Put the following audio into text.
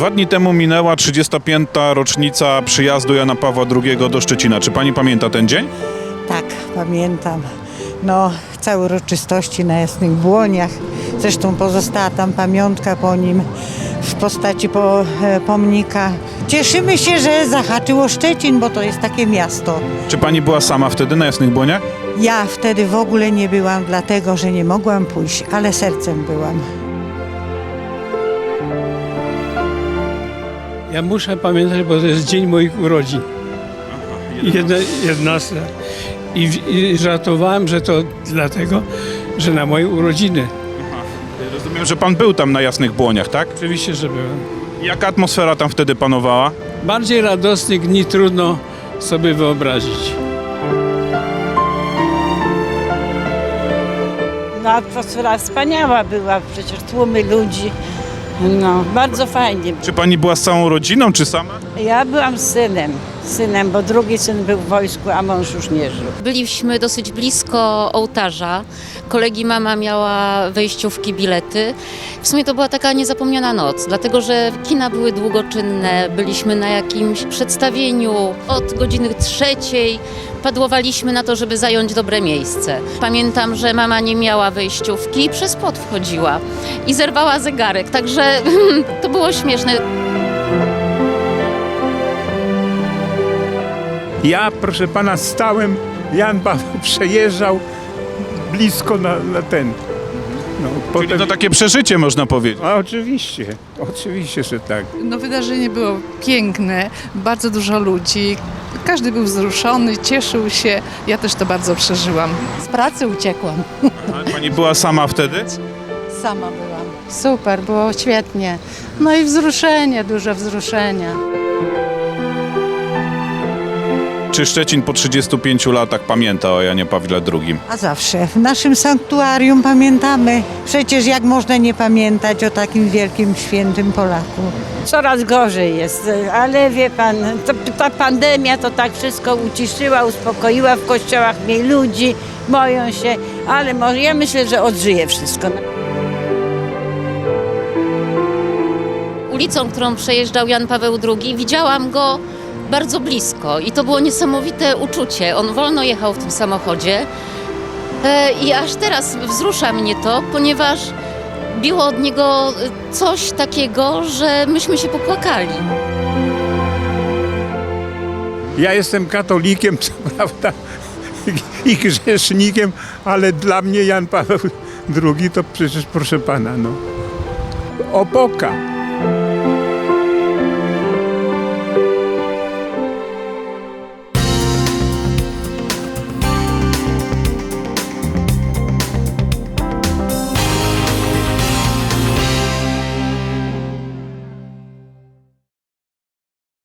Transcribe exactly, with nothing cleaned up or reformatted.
Dwa dni temu minęła trzydziesta piąta rocznica przyjazdu Jana Pawła drugiego do Szczecina. Czy pani pamięta ten dzień? Tak, pamiętam. No, całe uroczystości na Jasnych Błoniach. Zresztą pozostała tam pamiątka po nim w postaci po, e, pomnika. Cieszymy się, że zahaczyło Szczecin, bo to jest takie miasto. Czy pani była sama wtedy na Jasnych Błoniach? Ja wtedy w ogóle nie byłam, dlatego że nie mogłam pójść, ale sercem byłam. Ja muszę pamiętać, bo to jest dzień moich urodzin. Jedna, jedenasta. I, I żartowałem, że to dlatego, że na moje urodziny. Rozumiem, że pan był tam na Jasnych Błoniach, tak? Oczywiście, że byłem. Jaka atmosfera tam wtedy panowała? Bardziej radosnych dni trudno sobie wyobrazić. No, atmosfera wspaniała była, przecież tłumy ludzi. No, bardzo fajnie. Czy pani była z całą rodziną, czy sama? Ja byłam z synem, synem, bo drugi syn był w wojsku, a mąż już nie żył. Byliśmy dosyć blisko ołtarza. Kolegi mama miała wejściówki, bilety. W sumie to była taka niezapomniana noc, dlatego że kina były długoczynne, byliśmy na jakimś przedstawieniu. Od godziny trzeciej padłowaliśmy na to, żeby zająć dobre miejsce. Pamiętam, że mama nie miała wejściówki i przez płot wchodziła i zerwała zegarek, także to było śmieszne. Ja, proszę pana, stałem, Jan Paweł przejeżdżał blisko na, na ten. No, Czyli to takie przeżycie, można powiedzieć. A oczywiście, oczywiście, że tak. No, wydarzenie było piękne, bardzo dużo ludzi, każdy był wzruszony, cieszył się, ja też to bardzo przeżyłam. Z pracy uciekłam. Ale pani była sama wtedy? Sama byłam. Super, było świetnie. No i wzruszenie, duże wzruszenia. Czy Szczecin po trzydziestu pięciu latach pamięta o Janie Pawle drugim? A zawsze w naszym sanktuarium pamiętamy. Przecież jak można nie pamiętać o takim wielkim, świętym Polaku. Coraz gorzej jest, ale wie pan, to, ta pandemia to tak wszystko uciszyła, uspokoiła, w kościołach mniej ludzi, boją się, ale może ja myślę, że odżyje wszystko. Ulicą, którą przejeżdżał Jan Paweł drugi, widziałam go bardzo blisko i to było niesamowite uczucie. On wolno jechał w tym samochodzie e, i aż teraz wzrusza mnie to, ponieważ biło od niego coś takiego, że myśmy się popłakali. Ja jestem katolikiem, co prawda, i grzesznikiem, ale dla mnie Jan Paweł drugi to przecież, proszę pana, no, opoka.